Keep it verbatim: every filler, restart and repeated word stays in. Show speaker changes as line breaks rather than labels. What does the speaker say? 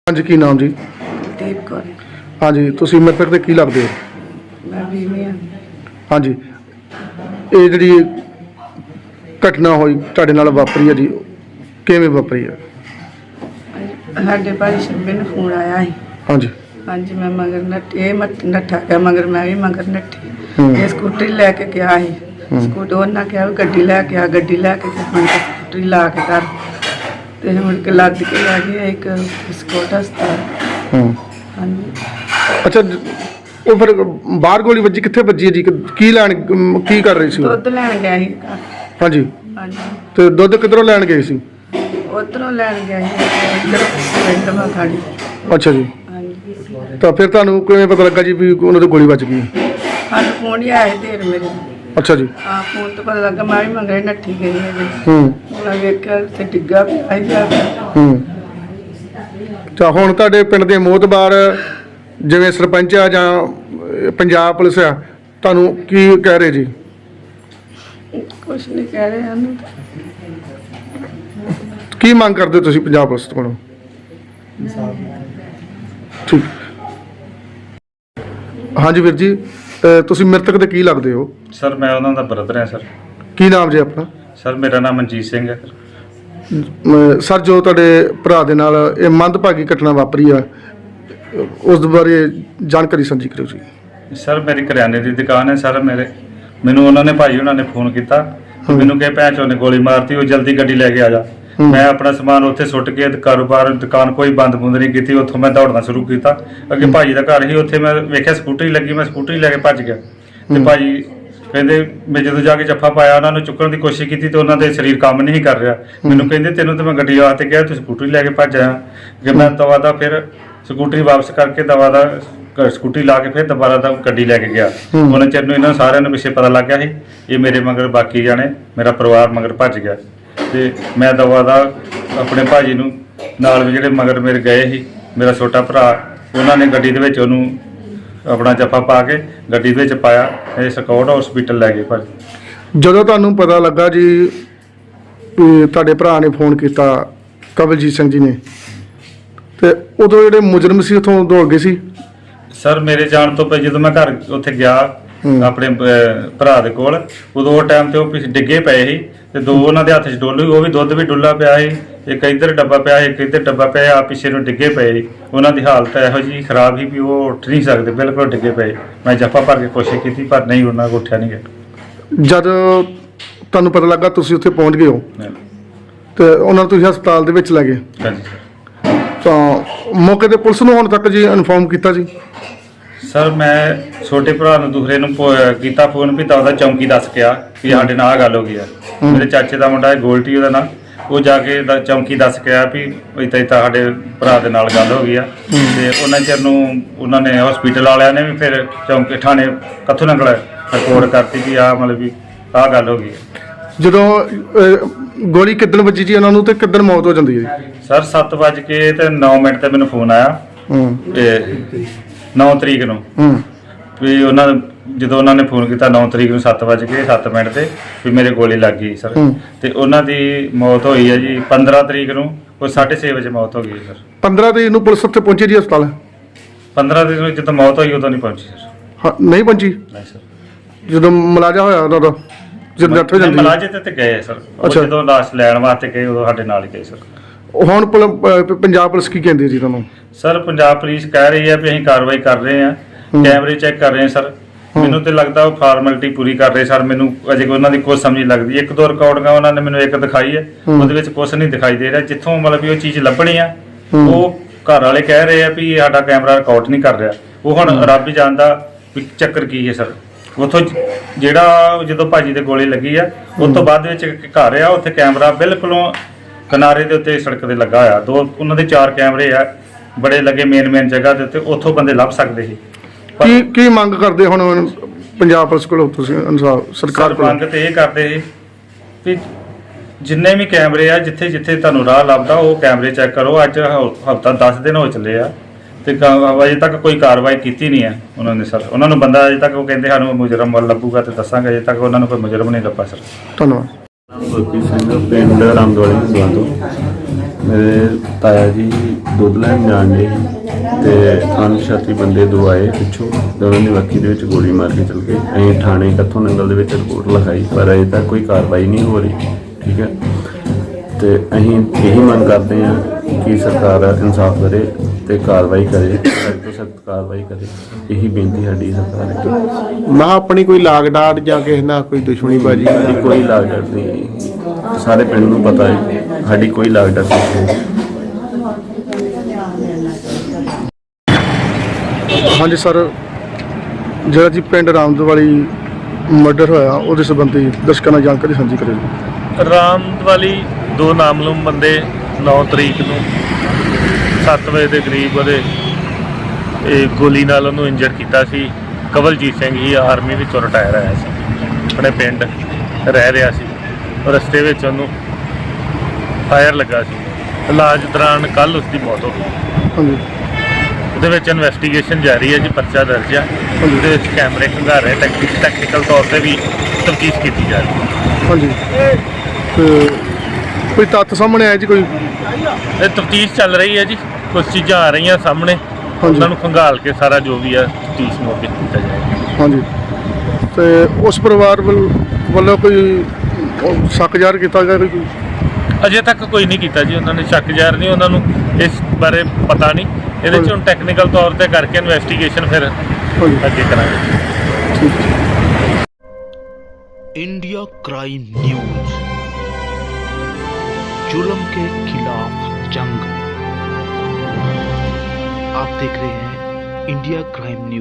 हाँ जी, की नाम जी?
दीप कौर।
हाँ जी, तुसीं मृतक दे की लगदे हो?
मैं बीवी हाँ।
हाँ जी, ये जिहड़ी घटना होई तुहाडे नाल वापरी है जी, किवें वापरी है?
साडे भाई शंबे ने फोन आया है।
हाँ जी।
हाँ जी, मैं मगर नट ये मत नट्ठा गया मगर मैं भी मगर नट्ठी।
हम्म।
ये स्कूटरी लैके गया है। स्कूटर उन्हें कहा भी गड्डी लैके आ, गड्डी लैके गया मैं स्कूटरी ला के घर ते मुड़ के लद के लै गया एक स्कूट हस्पताल।
हम्म।
हाँ जी।
अच्छा, वो फिर बाहर गोली वजी कित्थे वजी है जी? की लैन की कर रही सी?
दुद्ध लैन गया ही घर।
हाँ जी,
हाँ जी,
तो दुद्ध किधरों लैन गए सी?
उधरों लैन गया ही इधर पिंड में खाड़ी।
अच्छा जी,
हाँ जी,
तो फिर तुहानू किवें पता लगा जी भी उन्हां दे गोली वज गई?
हाँ फोन ही आया देर मेरे।
अच्छा जी।
हाँ फोन तो पता लगा मैं भी मगर नट्ठी गई है जी।
हम्म।
मैं वेख्या उत्थे डिग्गा पिया ही जाके।
हम्म। ਤਾਂ ਹੁਣ ਤੁਹਾਡੇ ਪਿੰਡ ਦੇ ਮੋਹਤਬਾਰ ਜਿਵੇਂ ਸਰਪੰਚ ਆ ਜਾਂ ਅਹ, ਪੰਜਾਬ ਪੁਲਿਸ ਆ, ਤੁਹਾਨੂੰ ਕੀ ਕਹਿ ਰਹੇ ਜੀ?
कुछ नहीं कह रहे हम।
ਕੀ ਮੰਗ ਕਰਦੇ ਹੋ ਤੁਸੀਂ ਪੰਜਾਬ ਪੁਲਿਸ ਕੋਲੋਂ? ਠੀਕ। ਹਾਂਜੀ ਵੀਰ ਜੀ, ਅਹ, ਤੁਸੀਂ ਮ੍ਰਿਤਕ ਦੇ ਕੀ ਲੱਗਦੇ ਹੋ?
ਸਰ ਮੈਂ ਉਹਨਾਂ ਦਾ ਬ੍ਰਦਰ ਹਾਂ ਸਰ।
ਕੀ ਨਾਮ ਜੀ ਆਪਣਾ?
ਸਰ ਮੇਰਾ ਨਾਮ ਮਨਜੀਤ ਸਿੰਘ ਹੈ।
ਅਹ, ਸਰ, ਜੋ ਤੁਹਾਡੇ ਭਰਾ ਦੇ ਨਾਲ ਇਹ ਮੰਦਭਾਗੀ ਘਟਨਾ ਵਾਪਰੀ ਆ, ਉਸ ਦੇ ਬਾਰੇ ਜਾਣਕਾਰੀ ਸਾਂਝੀ ਕਰੋ ਜੀ।
ਸਰ ਮੇਰੀ ਕਰਿਆਨੇ ਦੀ ਦੁਕਾਨ ਹੈ ਸਰ। ਮੇਰੇ ਮੈਨੂੰ ਉਹਨਾਂ ਨੇ ਭਾਈ ਉਹਨਾਂ ਨੇ ਫੋਨ ਕੀਤਾ ਤੇ ਮੈਨੂੰ ਕਹੇ ਭੈਣ ਚੋਂ ਨੇ ਗੋਲੀ ਮਾਰਤੀ, ਉਹ ਜਲਦੀ ਗੱਡੀ ਲੈ ਕੇ ਆ ਜਾ। ਮੈਂ ਆਪਣਾ ਸਮਾਨ ਉੱਥੇ ਸੁੱਟ ਕੇ ਤੇ ਕਾਰੋਬਾਰ ਦੁਕਾਨ ਕੋਈ ਬੰਦ ਬੁੰਦ ਨਹੀਂ ਕੀਤੀ, ਉੱਥੋਂ ਮੈਂ ਦੌੜਨਾ ਸ਼ੁਰੂ ਕੀਤਾ। ਅੱਗੇ ਭਾਜੀ ਦਾ ਘਰ ਸੀ, ਉੱਥੇ ਮੈਂ ਵੇਖਿਆ ਸਕੂਟਰੀ ਲੱਗੀ, ਮੈਂ ਸਕੂਟਰੀ ਲੈ ਕੇ ਭੱਜ ਗਿਆ ਤੇ ਭਾਜੀ ਕਹਿੰਦੇ ਮੈਂ ਜਦੋਂ ਜਾ ਕੇ ਜੱਫਾ ਪਾਇਆ ਉਹਨਾਂ ਨੂੰ ਚੁੱਕਣ ਦੀ ਕੋਸ਼ਿਸ਼ ਕੀਤੀ ਤੇ ਉਹਨਾਂ ਦੇ ਸਰੀਰ ਕੰਮ ਨਹੀਂ ਕਰ ਰਿਹਾ। ਮੈਨੂੰ ਕਹਿੰਦੇ ਤੈਨੂੰ ਤਾਂ ਮੈਂ ਗੱਡੀ ਵਾਸਤੇ ਕਿਹਾ, ਤੂੰ ਸਕੂਟਰੀ ਲੈ ਕੇ ਭੱਜ ਆਇਆ। ਕਿ ਮੈਂ ਦਵਾ ਦਾ ਫਿਰ ਸਕੂਟਰੀ ਵਾਪਸ ਕਰਕੇ ਦਵਾ ਦਾ ਘਰ ਸਕੂਟਰੀ ਲਾ ਕੇ ਫਿਰ ਦੁਬਾਰਾ ਦਾ ਗੱਡੀ ਲੈ ਕੇ ਗਿਆ। ਉਹਨਾਂ ਚਿਰ ਨੂੰ ਇਹਨਾਂ ਸਾਰਿਆਂ ਨੂੰ ਪਿੱਛੇ ਪਤਾ ਲੱਗ ਗਿਆ ਸੀ ਇਹ ਮੇਰੇ ਮਗਰ ਬਾਕੀ ਜਾਣੇ ਮੇਰਾ ਪਰਿਵਾਰ ਮਗਰ ਭੱਜ ਗਿਆ ਤੇ ਮੈਂ ਦਵਾ ਦਾ ਆਪਣੇ ਭਾਜੀ ਨੂੰ ਨਾਲ ਵੀ ਜਿਹੜੇ ਮਗਰ ਮੇਰੇ ਗਏ ਸੀ ਮੇਰਾ ਛੋਟਾ ਭਰਾ, ਉਹਨਾਂ ਨੇ ਗੱਡੀ ਦੇ ਵਿੱਚ ਉਹਨੂੰ ਆਪਣਾ ਜੱਫਾ ਪਾ ਕੇ ਗੱਡੀ ਦੇ ਵਿੱਚ ਪਾਇਆ, ਇਹ ਸਕੌਟ ਹਸਪੀਟਲ ਲੈ ਗਏ ਭਾਜੀ।
ਜਦੋਂ ਤੁਹਾਨੂੰ ਪਤਾ ਲੱਗਾ ਜੀ ਵੀ ਤੁਹਾਡੇ ਭਰਾ ਨੇ ਫੋਨ ਕੀਤਾ ਕਵਲਜੀਤ ਸਿੰਘ ਜੀ ਨੇ, ਤੇ ਉਦੋਂ ਜਿਹੜੇ ਮੁਜਰਮ ਸੀ ਉੱਥੋਂ ਦੌੜ ਗਏ ਸੀ?
ਸਰ ਮੇਰੇ ਜਾਣ ਤੋਂ ਪਹਿਲਾਂ ਜਦੋਂ ਮੈਂ ਘਰ ਉੱਥੇ ਗਿਆ ਆਪਣੇ ਅਹ, ਭਰਾ ਦੇ ਕੋਲ, ਉਦੋਂ ਉਹ ਟਾਈਮ ਤੇ ਉਹ ਪਿੱਛੇ ਡਿੱਗੇ ਪਏ ਸੀ ਤੇ ਦੋ ਉਹਨਾਂ ਦੇ ਹੱਥ 'ਚ ਡੋਲੂ, ਉਹ ਵੀ ਦੁੱਧ ਵੀ ਡੁੱਲਾ ਪਿਆ ਸੀ, ਇੱਕ ਇੱਧਰ ਡੱਬਾ ਪਿਆ ਸੀ, ਇੱਕ ਇੱਧਰ ਡੱਬਾ ਪਿਆ, ਆ ਪਿੱਛੇ ਨੂੰ ਡਿੱਗੇ ਪਏ ਸੀ। ਉਹਨਾਂ ਦੀ ਹਾਲਤ ਇਹੋ ਜਿਹੀ ਖਰਾਬ ਸੀ ਵੀ ਉਹ ਉੱਠ ਨਹੀਂ ਸਕਦੇ, ਬਿਲਕੁਲ ਡਿੱਗੇ ਪਏ। ਮੈਂ ਜੱਫਾ ਭਰ ਕੇ ਕੋਸ਼ਿਸ਼ ਕੀਤੀ ਪਰ ਨਹੀਂ, ਉਹਨਾਂ ਕੋਲ ਉੱਠਿਆ ਨਹੀਂ ਗਿਆ।
ਜਦ ਤੁਹਾਨੂੰ ਪਤਾ ਲੱਗਾ ਤੁਸੀਂ ਉੱਥੇ ਪਹੁੰਚ ਗਏ ਹੋ ਤੇ ਉਹਨਾਂ ਨੂੰ ਤੁਸੀਂ ਹਸਪਤਾਲ ਦੇ ਵਿੱਚ ਲੈ ਗਏ,
ਹਾਂਜੀ ਸਰ।
ਤਾਂ ਮੌਕੇ ਤੇ ਪੁਲਿਸ ਨੂੰ ਹੁਣ ਤੱਕ ਜੀ ਇਨਫੋਰਮ ਕੀਤਾ ਜੀ?
ਸਰ ਮੈਂ ਛੋਟੇ ਭਰਾ ਨੂੰ ਦੂਸਰੇ ਨੂੰ ਫੋ- ਕੀਤਾ ਫੋਨ ਵੀ ਤਾਂ ਉਹਦਾ ਚੌਂਕੀ ਦੱਸ ਗਿਆ ਕਿ ਸਾਡੇ ਨਾਲ ਆਹ ਗੱਲ ਹੋ ਗਈ ਆ। ਮੇਰੇ ਚਾਚੇ ਦਾ ਮੁੰਡਾ ਹੈ ਗੋਲਟੀ ਉਹਦਾ ਨਾਂ, ਉਹ ਜਾ ਕੇ ਦ- ਚੌਂਕੀ ਦੱਸ ਕੇ ਆਇਆ ਵੀ ਇੱਦਾਂ ਇੱਦਾਂ ਸਾਡੇ ਭਰਾ ਦੇ ਨਾਲ ਗੱਲ ਹੋ ਗਈ ਆ। ਤੇ ਉਹਨਾਂ ਚਿਰ ਨੂੰ ਉਹਨਾਂ ਨੇ ਹਸਪੀਟਲ ਵਾਲਿਆਂ ਨੇ ਵੀ ਫਿਰ ਚੌਂਕੀ ਥਾਣੇ ਕੱਥੋਂ ਨੰਗਲ ਰਿਪੋਰਟ ਕਰਤੀ ਵੀ ਆਹ ਮਤਲਬ ਵੀ ਆਹ ਗੱਲ ਹੋ ਗਈ ਹੈ।
ਜਦੋਂ ਅਹ, ਗੋਲੀ ਕਿੱਦਣ ਵੱਜੀ ਜੀ ਉਹਨਾਂ ਨੂੰ ਤੇ ਕਿੱਦਣ ਮੌਤ ਹੋ ਜਾਂਦੀ ਹੈ ਜੀ?
ਸਰ ਸੱਤ ਵੱਜ ਕੇ ਤੇ ਨੌ ਮਿੰਟ ਤੇ ਮੈਨੂੰ ਫੋਨ ਆਇਆ
ਹੂੰ
ਤੇ ਨੌ ਤਰੀਕ ਨੂੰ
ਹੂੰ
ਵੀ ਉਹਨਾਂ ਜਦੋਂ ਉਹਨਾਂ ਨੇ ਫੋਨ ਕੀਤਾ ਨੌ ਤਰੀਕ ਨੂੰ ਸੱਤ ਵੱਜ ਕੇ ਸੱਤ ਮਿੰਟ ਤੇ ਵੀ ਮੇਰੇ ਗੋਲੀ ਲੱਗ ਗਈ ਸਰ।
ਹੂੰ।
ਤੇ ਉਹਨਾਂ ਦੀ ਮੌਤ ਹੋਈ ਹੈ ਜੀ ਪੰਦਰਾਂ ਤਰੀਕ ਨੂੰ, ਉਹ ਸਾਢੇ ਛੇ ਵਜੇ ਮੌਤ ਹੋ ਗਈ ਸਰ।
ਪੰਦਰਾਂ ਤਰੀਕ ਨੂੰ ਪੁਲਿਸ ਉੱਥੇ ਪਹੁੰਚੀ ਜੀ ਹਸਪਤਾਲ?
ਪੰਦਰਾਂ ਤਰੀਕ ਨੂੰ ਜਦੋਂ ਮੌਤ ਹੋਈ ਉਦੋਂ ਨਹੀਂ ਪਹੁੰਚੀ ਸਰ।
ਹਾਂ, ਨਹੀਂ ਪਹੁੰਚੀ?
ਨਹੀਂ ਸਰ,
ਜਦੋਂ ਮਲਾਜਾ ਹੋਇਆ ਉਹਨਾਂ ਦਾ, ਜਦੋਂ ਡੈਥ ਹੋ ਜਾਂਦੀ ਹੈ?
ਮਲਾਜੇ ਤੇ ਤੇ ਗਏ ਸਰ, ਉਹ
ਅੱਛਾ।
ਜਦੋਂ ਲਾਸ਼ ਲੈਣ ਵਾਸਤੇ ਗਏ ਉਦੋਂ ਸਾਡੇ ਨਾਲ ਹੀ ਗਏ ਸਰ।
ਉਹ ਹੁਣ ਪੁਲ- ਅਹ, ਪੰਜਾਬ ਪੁਲਿਸ ਕੀ ਕਹਿੰਦੀ ਜੀ ਤੁਹਾਨੂੰ?
ਸਰ ਪੰਜਾਬ ਪੁਲਿਸ ਕਹਿ ਰਹੀ ਹੈ ਵੀ ਅਸੀਂ ਕਾਰਵਾਈ ਕਰ ਰਹੇ ਹਾਂ, ਕੈਮਰੇ ਚੈੱਕ ਕਰ ਰਹੇ ਹਾਂ ਸਰ। ਮੈਨੂੰ ਤੇ ਲੱਗਦਾ ਉਹ ਫਾਰਮੈਲਿਟੀ ਪੂਰੀ ਕਰ ਰਹੇ ਸਰ। ਮੈਨੂੰ ਅਜੇ ਉਹਨਾਂ ਦੀ ਕੋਈ ਸਮਝ ਨਹੀਂ ਲੱਗਦੀ। ਇੱਕ ਦੋ ਰਿਕਾਰਡਿੰਗਾਂ ਉਹਨਾਂ ਨੇ ਮੈਨੂੰ ਇੱਕ ਦਿਖਾਈ ਹੈ, ਉਹਦੇ ਵਿੱਚ ਕੁਝ ਨਹੀਂ ਦਿਖਾਈ ਦੇ ਰਿਹਾ। ਜਿੱਥੋਂ ਮਤਲਬ ਵੀ ਉਹ ਚੀਜ਼ ਲੱਭਣੀ ਆ, ਉਹ ਘਰ ਵਾਲੇ ਕਹਿ ਰਹੇ ਆ ਵੀ ਸਾਡਾ ਕੈਮਰਾ ਰਿਕਾਰਡ ਨਹੀਂ ਕਰ ਰਿਹਾ। ਉਹ ਹੁਣ ਰੱਬ ਹੀ ਜਾਣਦਾ ਵੀ ਚੱਕਰ ਕੀ ਹੈ ਸਰ। ਉੱਥੋਂ ਜਿਹੜਾ ਜਦੋਂ ਭਾਜੀ ਦੇ ਗੋਲੀ ਲੱਗੀ ਆ ਉਸ ਤੋਂ ਬਾਅਦ ਵਿੱਚ ਇੱਕ ਘਰ ਆ, ਉੱਥੇ ਕੈਮਰਾ ਬਿਲਕੁਲੋਂ ਕਿਨਾਰੇ ਦੇ ਉੱਤੇ ਸੜਕ ਦੇ ਲੱਗਾ ਹੋਇਆ। ਦੋ ਉਹਨਾਂ ਦੇ ਚਾਰ ਕੈਮਰੇ ਆ ਬੜੇ ਲੱਗੇ ਮੇਨ ਮੇਨ ਜਗ੍ਹਾ ਦੇ ਉੱਤੇ, ਉੱਥੋਂ ਬੰਦੇ ਲੱਭ ਸਕਦੇ ਸੀ।
ਕੀ ਕੀ ਮੰਗ ਕਰਦੇ ਹੁਣ ਪੰਜਾਬ ਪੁਲਿਸ ਕੋਲੋਂ ਤੁਸੀਂ ਇਨਸਾਫ ਸਰਕਾਰ
ਸਰ
ਕੋਲੋਂ?
ਮੰਗ ਤੇ ਇਹ ਕਰਦੇ ਸੀ ਵੀ ਜਿੰਨੇ ਵੀ ਕੈਮਰੇ ਆ ਜਿੱਥੇ ਜਿੱਥੇ ਤੁਹਾਨੂੰ ਰਾਹ ਲੱਭਦਾ ਉਹ ਕੈਮਰੇ ਚੈੱਕ ਕਰੋ। ਅੱਜ ਹਫਤਾ ਦਸ ਦਿਨ ਹੋ ਚੱਲੇ ਆ ਤੇ ਕ- ਅਜੇ ਤੱਕ ਕੋਈ ਕਾਰਵਾਈ ਕੀਤੀ ਨਹੀਂ ਹੈ ਉਹਨਾਂ ਨੇ ਸਰ। ਉਹਨਾਂ ਨੂੰ ਬੰਦਾ ਅਜੇ ਤੱਕ ਉਹ ਕਹਿੰਦੇ ਸਾਨੂੰ ਮੁਜਰਮ ਵੱਲ ਲੱਭੂਗਾ ਤੇ ਦੱਸਾਂਗੇ, ਅਜੇ ਤੱਕ ਉਹਨਾਂ ਨੂੰ ਕੋਈ ਮੁਜਰਮ ਨਹੀਂ ਲੱਭਾ ਸਰ।
ਧੰਨਵਾਦ।
ਗੁਰਪ੍ਰੀਤ ਸਿੰਘ ਪਿੰਡ ਰਾਮਦੋਲੇ ਤੋਂ। ਮੇਰੇ ਤਾਇਆ ਜੀ ਦੁੱਧ ਲੈਣ ਜਾਣ ਦੇ ਤੇ ਅਣਪਛਾਤੇ ਬੰਦੇ ਦੋ ਆਏ ਪਿੱਛੋਂ ਤੇ ਉਹਨਾਂ ਦੀ ਵੱਖੀ ਦੇ ਵਿੱਚ ਗੋਲੀ ਮਾਰ ਕੇ ਚਲ ਗਏ। ਅਸੀਂ ਥਾਣੇ ਕੱਥੋਂ ਨੰਗਲ ਦੇ ਵਿੱਚ ਰਿਪੋਰਟ ਲਿਖਾਈ ਪਰ ਅਜੇ ਤੱਕ ਕੋਈ ਕਾਰਵਾਈ ਨਹੀਂ ਹੋ ਰਹੀ। ਠੀਕ ਹੈ, ਤੇ ਅਸੀਂ ਇਹੀ ਮੰਗ ਕਰਦੇ ਹਾਂ ਕਿ ਸਰਕਾਰ ਇਨਸਾਫ ਕਰੇ ਤੇ ਕਾਰਵਾਈ ਕਰੇ, ਸਖਤ ਤੋਂ ਸਖਤ ਕਾਰਵਾਈ ਕਰੇ। ਇਹੀ ਬੇਨਤੀ ਸਾਡੀ ਸਰਕਾਰ ਅੱਗੇ।
ਮੈਂ ਕਿਹਾ ਆਪਣੀ ਕੋਈ ਲਾਗ ਡਾਟ ਜਾਂ ਕਿਸੇ ਨਾਲ ਕੋਈ ਦੁਸ਼ਮਣੀ ਬਾਜੀ?
ਸਾਡੀ ਕੋਈ ਲਾਗ ਡਾਟ ਨਹੀਂ, ਸਾਰੇ ਪਿੰਡ ਨੂੰ ਪਤਾ ਹੈ ਸਾਡੀ ਕੋਈ ਲਾਗ ਡਾਟ ਨਹੀਂ।
ਹਾਂਜੀ ਸਰ, ਜਿਹੜਾ ਜੀ ਪਿੰਡ ਰਾਮਦ ਵਾਲੀ ਮਰਡਰ ਹੋਇਆ ਉਹਦੇ ਸੰਬੰਧੀ ਦਰਸ਼ਕਾਂ ਨਾਲ ਜਾਣਕਾਰੀ ਸਾਂਝੀ ਕਰਿਓ ਜੀ।
ਰਾਮਦ ਵਾਲੀ ਦੋ ਨਾਮਲੂਮ ਬੰਦੇ ਨੌ ਤਰੀਕ ਨੂੰ ਸੱਤ ਵਜੇ ਦੇ ਕਰੀਬ ਉਹਦੇ ਇਹ ਗੋਲੀ ਨਾਲ ਉਹਨੂੰ ਇੰਜਰ ਕੀਤਾ ਸੀ। ਕਵਲਜੀਤ ਸਿੰਘ ਹੀ ਆਰਮੀ ਵਿੱਚੋਂ ਰਿਟਾਇਰ ਆਇਆ ਸੀ, ਆਪਣੇ ਪਿੰਡ ਰਹਿ ਰਿਹਾ ਸੀ। ਰਸਤੇ ਵਿੱਚ ਉਹਨੂੰ ਫਾਇਰ ਲੱਗਾ ਸੀ। ਇਲਾਜ ਦੌਰਾਨ ਕੱਲ੍ਹ ਉਸ ਦੀ ਮੌਤ ਹੋ ਗਈ।
ਹਾਂਜੀ
ਉਹਦੇ ਵਿੱਚ ਇਨਵੈਸਟੀਗੇਸ਼ਨ ਜਾਰੀ ਹੈ ਜੀ, ਪਰਚਾ ਦਰਜ ਹੈ। ਉਹਦੇ ਵਿੱਚ ਕੈਮਰੇ ਖੰਗਾਰੇ, ਟੈਕਨੀਕਲ ਤੌਰ ਤੇ ਵੀ ਤਫਤੀਸ਼ ਕੀਤੀ ਜਾ ਰਹੀ ਹੈ।
ਹਾਂਜੀ, ਤੇ ਕੋਈ ਤੱਥ ਸਾਹਮਣੇ ਆਇਆ ਜੀ ਕੋਈ?
ਇਹ ਤਫਤੀਸ਼ ਚੱਲ ਰਹੀ ਹੈ ਜੀ, ਕੁਝ ਚੀਜ਼ਾਂ ਆ ਰਹੀਆਂ ਸਾਹਮਣੇ,
ਹਾਂਜੀ।
ਉਹਨਾਂ ਨੂੰ ਖੰਗਾਲ ਕੇ ਸਾਰਾ ਜੋ ਵੀ ਹੈ ਤਫਤੀਸ਼ ਨੂੰ ਅੱਗੇ ਕੀਤਾ ਜਾਏਗਾ।
ਹਾਂਜੀ, ਤੇ ਉਸ ਪਰਿਵਾਰ ਵੱਲ- ਵੱਲੋਂ ਕੋਈ ਉਹ ਸ਼ੱਕ ਜ਼ਾਹਰ ਕੀਤਾ ਗਿਆ ਕੋਈ?
ਅਜੇ ਤੱਕ ਕੋਈ ਨਹੀਂ ਕੀਤਾ ਜੀ, ਉਹਨਾਂ ਨੇ ਸ਼ੱਕ ਜ਼ਾਹਰ ਨਹੀਂ, ਉਹਨਾਂ ਨੂੰ ਇਸ ਬਾਰੇ ਪਤਾ ਨਹੀਂ। ਇਹਦੇ 'ਚ ਹੁਣ ਟੈਕਨੀਕਲ ਤੌਰ ਤੇ ਕਰਕੇ ਇਨਵੈਸਟੀਗੇਸ਼ਨ ਫਿਰ
ਹਾਂਜੀ,
ਅੱਗੇ ਕਰਾਂਗੇ।
ਠੀਕ ਹੈ।
इंडिया क्राइम न्यूज, जुल्म के खिलाफ जंग। आप देख रहे हैं इंडिया क्राइम न्यूज।